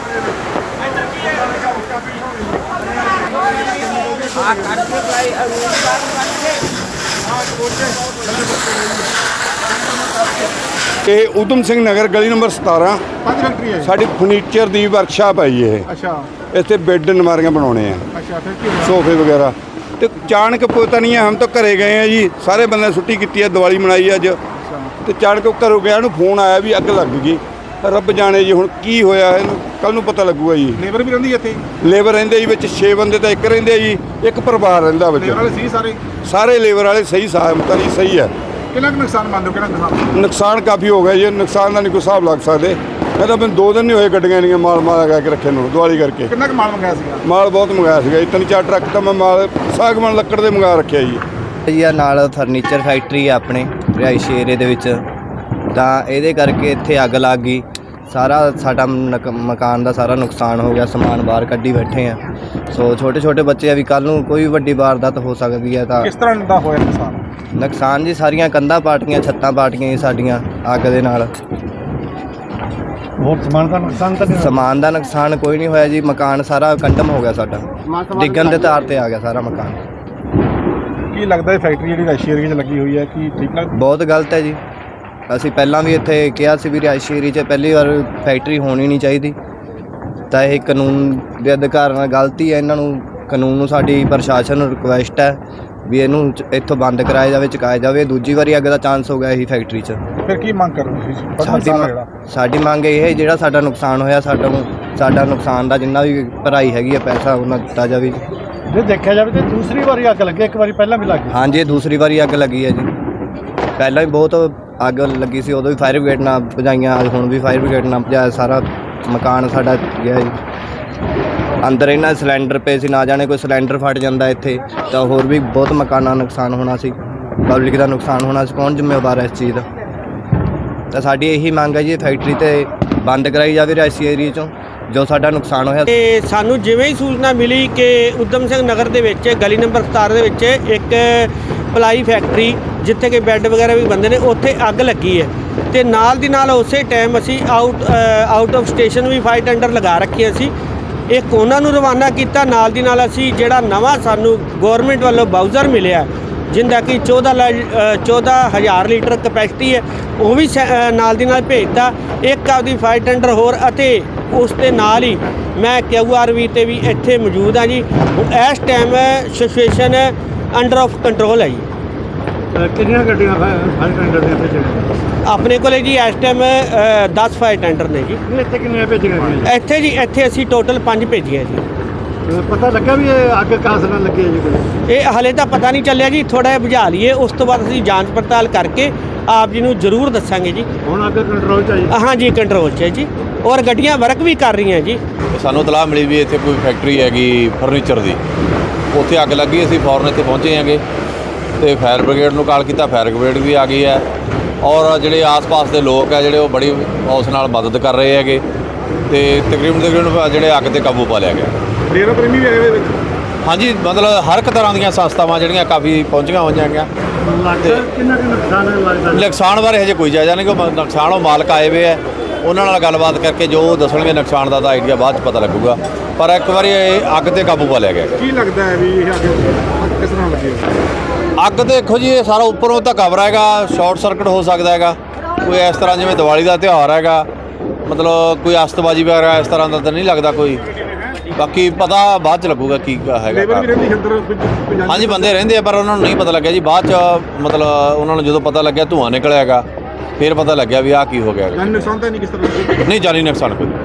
ਇਹ ਊਧਮ ਸਿੰਘ ਨਗਰ ਗਲੀ ਨੰਬਰ 17 ਪੰਜ ਫੈਕਟਰੀ ਹੈ ਸਾਡੀ ਫਰਨੀਚਰ ਦੀ ਵਰਕਸ਼ਾਪ ਹੈ ਜੀ ਇਹ। ਅੱਛਾ ਇੱਥੇ ਬੈੱਡ ਨਮਾਰੀਆਂ ਬਣਾਉਣੇ ਆ, ਅੱਛਾ ਫਿਰ ਕੀ ਹੋਇਆ? ਸੋਫੇ ਵਗੈरह। ਤੇ ਅਚਾਨਕ ਪਤਾ ਨਹੀਂ ਹੈ, ਹਮ ਤਾਂ ਘਰੇ ਗਏ ਆ ਜੀ, ਸਾਰੇ ਬੰਦੇ ਛੁੱਟੀ ਕੀਤੀ ਹੈ, ਦੀਵਾਲੀ ਮਨਾਈ ਅੱਜ। ਤੇ ਅਚਾਨਕ ਘਰੋਂ ਗਿਆ ਨੂੰ ਫੋਨ ਆਇਆ ਵੀ ਅੱਗ ਲੱਗ ਗਈ। ਰੱਬ ਜਾਣੇ ਜੀ ਹੁਣ ਕੀ ਹੋਇਆ, ਇਹਨੂੰ ਕੱਲ ਨੂੰ ਪਤਾ ਲੱਗੂਗਾ ਜੀ। ਲੇਬਰ ਵੀ ਰਹਿੰਦੀ ਇੱਥੇ? ਲੇਬਰ ਰਹਿੰਦੇ ਜੀ ਵਿੱਚ 6 ਬੰਦੇ ਤਾਂ ਇੱਕ ਰਹਿੰਦੇ ਜੀ, ਇੱਕ ਪਰਿਵਾਰ ਰਹਿੰਦਾ ਵਿੱਚ। ਲੇਬਰ ਵਾਲੇ ਸੀ ਸਾਰੇ? ਸਾਰੇ ਲੇਬਰ ਵਾਲੇ ਸਹੀ ਸਾਹਮਤ ਜੀ, ਸਹੀ ਹੈ। ਕਿੰਨਾ ਕੁ ਨੁਕਸਾਨ ਮੰਨਦੇ ਹੋ? ਕਿੰਨਾ ਨੁਕਸਾਨ? ਨੁਕਸਾਨ ਕਾਫੀ ਹੋ ਗਿਆ ਜੀ, ਨੁਕਸਾਨ ਦਾ ਨਹੀਂ ਕੋਈ ਹਿਸਾਬ ਲੱਗ ਸਕਦੇ। ਮੈਂ ਤਾਂ ਮੈਨੂੰ 2 ਦਿਨ ਨਹੀਂ ਹੋਏ ਗੱਡੀਆਂ ਨਹੀਂ ਮਾਲ ਲਗਾ ਕੇ ਰੱਖੇ ਨੂੰ ਦੀਵਾਲੀ ਕਰਕੇ। ਕਿੰਨਾ ਕੁ ਮਾਲ ਮੰਗਾਇਆ ਸੀਗਾ? ਮਾਲ ਬਹੁਤ ਮੰਗਾਇਆ ਸੀਗਾ ਜੀ, 3-4 ਟਰੱਕ ਤਾਂ ਮੈਂ ਮਾਲ ਸਾਗਵਾਨ ਲੱਕੜ ਦੇ ਮੰਗਾ ਰੱਖਿਆ ਜੀ। ਜੀ ਆ ਨਾਲ ਫਰਨੀਚਰ ਫੈਕਟਰੀ ਆ ਆਪਣੇ ਰਿਹਾਇਸ਼ੀ ਏਰੀਏ ਦੇ ਵਿੱਚ, ਤਾਂ ਇਹਦੇ ਕਰਕੇ ਇੱਥੇ ਅੱਗ ਲੱਗ ਗਈ। ਸਾਰਾ ਸਾਡਾ ਮਕਾਨ ਦਾ ਸਾਰਾ ਨੁਕਸਾਨ ਹੋ ਗਿਆ, ਸਮਾਨ ਬਾਹਰ ਕੱਢੀ ਬੈਠੇ ਆ। ਸੋ ਛੋਟੇ ਛੋਟੇ ਬੱਚੇ ਆ ਵੀ ਕੱਲ੍ਹ ਨੂੰ ਕੋਈ ਵੱਡੀ ਵਾਰਦਾਤ ਹੋ ਸਕਦੀ ਹੈ। ਤਾਂ ਕਿਸ ਤਰ੍ਹਾਂ ਦਾ ਹੋਇਆ ਨੁਕਸਾਨ? ਨੁਕਸਾਨ ਜੀ ਸਾਰੀਆਂ ਕੰਧਾਂ ਪਾਟੀਆਂ, ਛੱਤਾਂ ਪਾਟੀਆਂ ਜੀ ਸਾਡੀਆਂ ਅੱਗ ਦੇ ਨਾਲ। ਹੋਰ ਸਮਾਨ ਦਾ ਨੁਕਸਾਨ ਤਾਂ ਨਹੀਂ? ਸਮਾਨ ਦਾ ਨੁਕਸਾਨ ਕੋਈ ਨਹੀਂ ਹੋਇਆ ਜੀ, ਮਕਾਨ ਸਾਰਾ ਕੰਡਮ ਹੋ ਗਿਆ ਸਾਡਾ, ਡਿੱਗਣ ਦੇ ਤਾਰ ਤੇ ਆ ਗਿਆ ਸਾਰਾ ਮਕਾਨ। ਕੀ ਲੱਗਦਾ ਇਹ ਫੈਕਟਰੀ ਜਿਹੜੀ ਰਿਹਾਇਸ਼ੀ ਏਰੀਏ 'ਚ ਲੱਗੀ ਹੋਈ ਹੈ, ਕੀ ਠੀਕ ਲੱਗਦਾ? ਬਹੁਤ ਗਲਤ ਹੈ ਜੀ। ਅਸੀਂ ਪਹਿਲਾਂ ਵੀ ਇੱਥੇ ਕਿਹਾ ਸੀ ਵੀ ਰਿਹਾਇਸ਼ੀ ਏਰੀਏ 'ਚ ਪਹਿਲੀ ਵਾਰ ਫੈਕਟਰੀ ਹੋਣੀ ਨਹੀਂ ਚਾਹੀਦੀ। ਤਾਂ ਇਹ ਕਾਨੂੰਨ ਦੇ ਅਧਿਕਾਰ ਨਾਲ ਗਲਤੀ ਹੈ। ਇਹਨਾਂ ਨੂੰ ਕਾਨੂੰਨ ਨੂੰ ਸਾਡੀ ਪ੍ਰਸ਼ਾਸਨ ਨੂੰ ਰਿਕੁਐਸਟ ਹੈ ਵੀ ਇਹਨੂੰ ਇੱਥੋਂ ਬੰਦ ਕਰਾਇਆ ਜਾਵੇ, ਚੁਕਾਇਆ ਜਾਵੇ। ਦੂਜੀ ਵਾਰੀ ਅੱਗ ਦਾ ਚਾਂਸ ਹੋ ਗਿਆ ਇਹੀ ਫੈਕਟਰੀ 'ਚ। ਫਿਰ ਕੀ ਮੰਗ ਕਰ ਰਹੇ ਹੋ? ਸਾਡੀ ਮੰਗ ਇਹ ਹੈ ਜਿਹੜਾ ਸਾਡਾ ਨੁਕਸਾਨ ਹੋਇਆ, ਸਾਡਾ ਨੁਕਸਾਨ ਦਾ ਜਿੰਨਾ ਵੀ ਭਰਾਈ ਹੈਗੀ ਹੈ ਪੈਸਾ ਉਹਨਾਂ ਦਿੱਤਾ ਜਾਵੇ। ਜੇ ਦੇਖਿਆ ਜਾਵੇ ਤਾਂ ਦੂਸਰੀ ਵਾਰੀ ਅੱਗ ਲੱਗੀ, ਇੱਕ ਵਾਰੀ ਪਹਿਲਾਂ ਵੀ ਲੱਗੀ। ਹਾਂਜੀ, ਇਹ ਦੂਸਰੀ ਵਾਰੀ ਅੱਗ ਲੱਗੀ ਹੈ ਜੀ। ਪਹਿਲਾਂ ਵੀ ਬਹੁਤ ਅੱਗ ਲੱਗੀ ਸੀ, ਉਦੋਂ ਵੀ ਫਾਇਰ ਬ੍ਰਿਗੇਡ ਨਾਲ ਭਜਾਈਆਂ, ਹੁਣ ਵੀ ਫਾਇਰ ਬ੍ਰਿਗੇਡ ਨਾਲ ਭਜਾਇਆ। ਸਾਰਾ ਮਕਾਨ ਸਾਡਾ ਗਿਆ ਜੀ। ਅੰਦਰ ਇਹਨਾਂ ਸਿਲੰਡਰ ਪਏ ਸੀ, ਨਾ ਜਾਣੇ ਕੋਈ ਸਿਲੰਡਰ ਫਟ ਜਾਂਦਾ ਇੱਥੇ ਤਾਂ ਹੋਰ ਵੀ ਬਹੁਤ ਮਕਾਨਾਂ ਦਾ ਨੁਕਸਾਨ ਹੋਣਾ ਸੀ, ਪਬਲਿਕ ਦਾ ਨੁਕਸਾਨ ਹੋਣਾ ਸੀ। ਕੌਣ ਜ਼ਿੰਮੇਵਾਰ ਹੈ ਇਸ ਚੀਜ਼ ਦਾ? ਤਾਂ ਸਾਡੀ ਇਹੀ ਮੰਗ ਹੈ ਜੀ, ਫੈਕਟਰੀ ਤੇ ਬੰਦ ਕਰਾਈ ਜਾਵੇ ਰਿਹਾਇਸ਼ੀ ਏਰੀਏ 'ਚੋਂ ਜੋ ਸਾਡਾ ਨੁਕਸਾਨ ਹੋਇਆ। ਤੇ ਸਾਨੂੰ ਜਿਵੇਂ ਹੀ ਸੂਚਨਾ ਮਿਲੀ ਕਿ ਊਧਮ ਸਿੰਘ ਨਗਰ ਦੇ ਵਿੱਚ ਗਲੀ ਨੰਬਰ 17 ਦੇ ਵਿੱਚ ਇੱਕ ਪਲਾਈ ਫੈਕਟਰੀ ਜਿੱਥੇ ਕਿ ਬੈੱਡ ਵਗੈਰਾ ਵੀ ਬੰਦੇ ਨੇ, ਉੱਥੇ ਅੱਗ ਲੱਗੀ ਹੈ। ਤੇ ਨਾਲ ਦੀ ਨਾਲ ਉਸੇ ਟਾਈਮ ਅਸੀਂ ਆਊਟ ਆਫ ਸਟੇਸ਼ਨ ਵੀ ਫਾਈਟ ਅੰਡਰ ਲਗਾ ਰੱਖੀਆਂ ਸੀ। ਇੱਕ ਉਹਨਾਂ ਨੂੰ ਰਵਾਨਾ ਕੀਤਾ, ਨਾਲ ਦੀ ਨਾਲ ਅਸੀਂ ਜਿਹੜਾ ਨਵਾਂ ਸਾਨੂੰ ਗੌਰਮੈਂਟ ਵੱਲੋਂ ਬਾਊਜ਼ਰ ਮਿਲਿਆ ਜਿੰਦਾ ਕਿ 14,000 ਲੀਟਰ ਕਪੈਸਿਟੀ ਹੈ, ਉਹ ਵੀ ਨਾਲ ਦੀ ਨਾਲ ਭੇਜਤਾ। ਇੱਕ ਆਪਦੀ ਫਾਈਟ ਅੰਡਰ ਹੋਰ, ਅਤੇ ਉਸ ਦੇ ਨਾਲ ਹੀ ਮੈਂ QRV ਤੇ ਵੀ ਇੱਥੇ ਮੌਜੂਦ ਹਾਂ ਜੀ। ਇਸ time situation under of control ਹੈ ਜੀ। ਕਿੰਨੀਆਂ ਗੱਡੀਆਂ ਫਾਈਟ ਅੰਡਰ ਦੇ ਵਿੱਚ ਆਪਣੇ ਕੋਲੇ ਜੀ ਇਸ ਟਾਈਮ 10 ਫਾਈਟ ਅੰਡਰ ਨੇ ਜੀ। ਇੱਥੇ ਕਿੰਨੀਆਂ ਭੇਜੀਆਂ ਗਈਆਂ? ਇੱਥੇ ਅਸੀਂ ਟੋਟਲ 5 ਭੇਜੀਆਂ ਜੀ। ਪਤਾ ਲੱਗਾ ਵੀ ਇਹ ਅੱਗ ਕਾਸ ਨਾਲ ਲੱਗੀ ਹੈ ਜੀ ਕੋਈ? ਇਹ ਹਲੇ ਤਾਂ ਪਤਾ ਨਹੀਂ ਚੱਲਿਆ ਜੀ, ਥੋੜ੍ਹਾ ਜਿਹਾ ਬੁਝਾ ਲਈਏ, ਉਸ ਤੋਂ ਬਾਅਦ ਅਸੀਂ ਜਾਂਚ ਪੜਤਾਲ ਕਰਕੇ ਆਪ ਜੀ ਨੂੰ ਜ਼ਰੂਰ ਦੱਸਾਂਗੇ ਜੀ। ਹੁਣ ਅੱਗ ਕੰਟਰੋਲ 'ਚ ਹੈ ਜੀ? ਹਾਂ ਜੀ, ਕੰਟਰੋਲ 'ਚ ਹੈ ਜੀ, ਔਰ ਗੱਡੀਆਂ ਵਰਕ ਵੀ ਕਰ ਰਹੀਆਂ ਜੀ। ਸਾਨੂੰ ਇਤਲਾਹ ਮਿਲੀ ਵੀ ਇੱਥੇ ਕੋਈ ਫੈਕਟਰੀ ਹੈਗੀ ਫਰਨੀਚਰ ਦੀ, ਉੱਥੇ ਅੱਗ ਲੱਗੀ। ਅਸੀਂ ਫੌਰਨ ਇੱਥੇ ਪਹੁੰਚੇ ਹੈਗੇ ਤੇ ਫਾਇਰ ਬ੍ਰਿਗੇਡ ਨੂੰ ਕਾਲ ਕੀਤਾ, ਫਾਇਰ ਬ੍ਰਿਗੇਡ ਵੀ ਆ ਗਈ ਹੈ। ਔਰ ਜਿਹੜੇ ਆਸ-ਪਾਸ ਦੇ ਲੋਕ ਹੈ ਜਿਹੜੇ ਉਹ ਬੜੀ ਉਸ ਨਾਲ ਮਦਦ ਕਰ ਰਹੇ ਹੈਗੇ ਤੇ ਤਕਰੀਬਨ ਜਿਹੜੇ ਅੱਗ 'ਤੇ ਕਾਬੂ ਪਾ ਲਿਆ ਗਿਆ। ਡੇਰਾ ਪ੍ਰੇਮੀ ਵੀ ਇਹਦੇ ਵਿੱਚ? ਹਾਂਜੀ, ਮਤਲਬ ਹਰ ਇੱਕ ਤਰ੍ਹਾਂ ਦੀਆਂ ਸੰਸਥਾਵਾਂ ਜਿਹੜੀਆਂ ਕਾਫੀ ਪਹੁੰਚੀਆਂ ਹੋਈਆਂ ਹੈਗੀਆਂ। ਕਿੰਨਾ ਕੁ ਨੁਕਸਾਨ ਲੱਗਦਾ? ਨੁਕਸਾਨ ਬਾਰੇ ਹਜੇ ਕੋਈ ਜਾਇਜ਼ਾ ਨਹੀਂ, ਕਿ ਨੁਕਸਾਨ ਉਹ ਮਾਲਕ ਆਏ ਹੋਏ ਹੈ, ਉਹਨਾਂ ਨਾਲ ਗੱਲਬਾਤ ਕਰਕੇ ਜੋ ਦੱਸਣਗੇ ਨੁਕਸਾਨ ਦਾ ਤਾਂ ਆਈਡੀਆ ਬਾਅਦ 'ਚ ਪਤਾ ਲੱਗੂਗਾ। ਪਰ ਇੱਕ ਵਾਰੀ ਇਹ ਅੱਗ 'ਤੇ ਕਾਬੂ ਪਾ ਲਿਆ ਗਿਆ। ਕੀ ਲੱਗਦਾ ਹੈ ਵੀ ਇਹ ਅੱਗ ਕਿਸ ਤਰ੍ਹਾਂ ਲੱਗੀ? ਅੱਗ ਦੇਖੋ ਜੀ, ਇਹ ਸਾਰਾ ਉੱਪਰੋਂ ਤਾਂ ਕਵਰ ਹੈਗਾ, ਸ਼ਾਰਟ ਸਰਕਟ ਹੋ ਸਕਦਾ ਹੈਗਾ। ਕੋਈ ਇਸ ਤਰ੍ਹਾਂ ਜਿਵੇਂ ਦੀਵਾਲੀ ਦਾ ਤਿਉਹਾਰ ਹੈਗਾ, ਮਤਲਬ ਕੋਈ ਅਸਤਬਾਜੀ ਵਗੈਰਾ ਇਸ ਤਰ੍ਹਾਂ ਦਾ ਤਾਂ ਨਹੀਂ ਲੱਗਦਾ ਕੋਈ। ਬਾਕੀ ਪਤਾ ਬਾਅਦ 'ਚ ਲੱਗੂਗਾ ਕੀ ਹੈਗਾ। ਲੇਬਰ ਵੀ ਰਹਿੰਦੀ ਅੰਦਰ? ਹਾਂਜੀ, ਬੰਦੇ ਰਹਿੰਦੇ ਆ, ਪਰ ਉਹਨਾਂ ਨੂੰ ਨਹੀਂ ਪਤਾ ਲੱਗਿਆ ਜੀ। ਬਾਅਦ 'ਚ ਮਤਲਬ ਉਹਨਾਂ ਨੂੰ ਜਦੋਂ ਪਤਾ ਲੱਗਿਆ ਧੂੰਆਂ ਨਿਕਲਿਆ ਹੈਗਾ, ਫਿਰ ਪਤਾ ਲੱਗਿਆ ਵੀ ਆਹ ਕੀ ਹੋ ਗਿਆ। ਜਾਨੀ ਨੁਕਸਾਨ ਤਾਂ ਨਹੀਂ ਕਿਸ ਤਰ੍ਹਾਂ? ਨਹੀਂ, ਜਾਨੀ ਨੁਕਸਾਨ ਕੋਈ।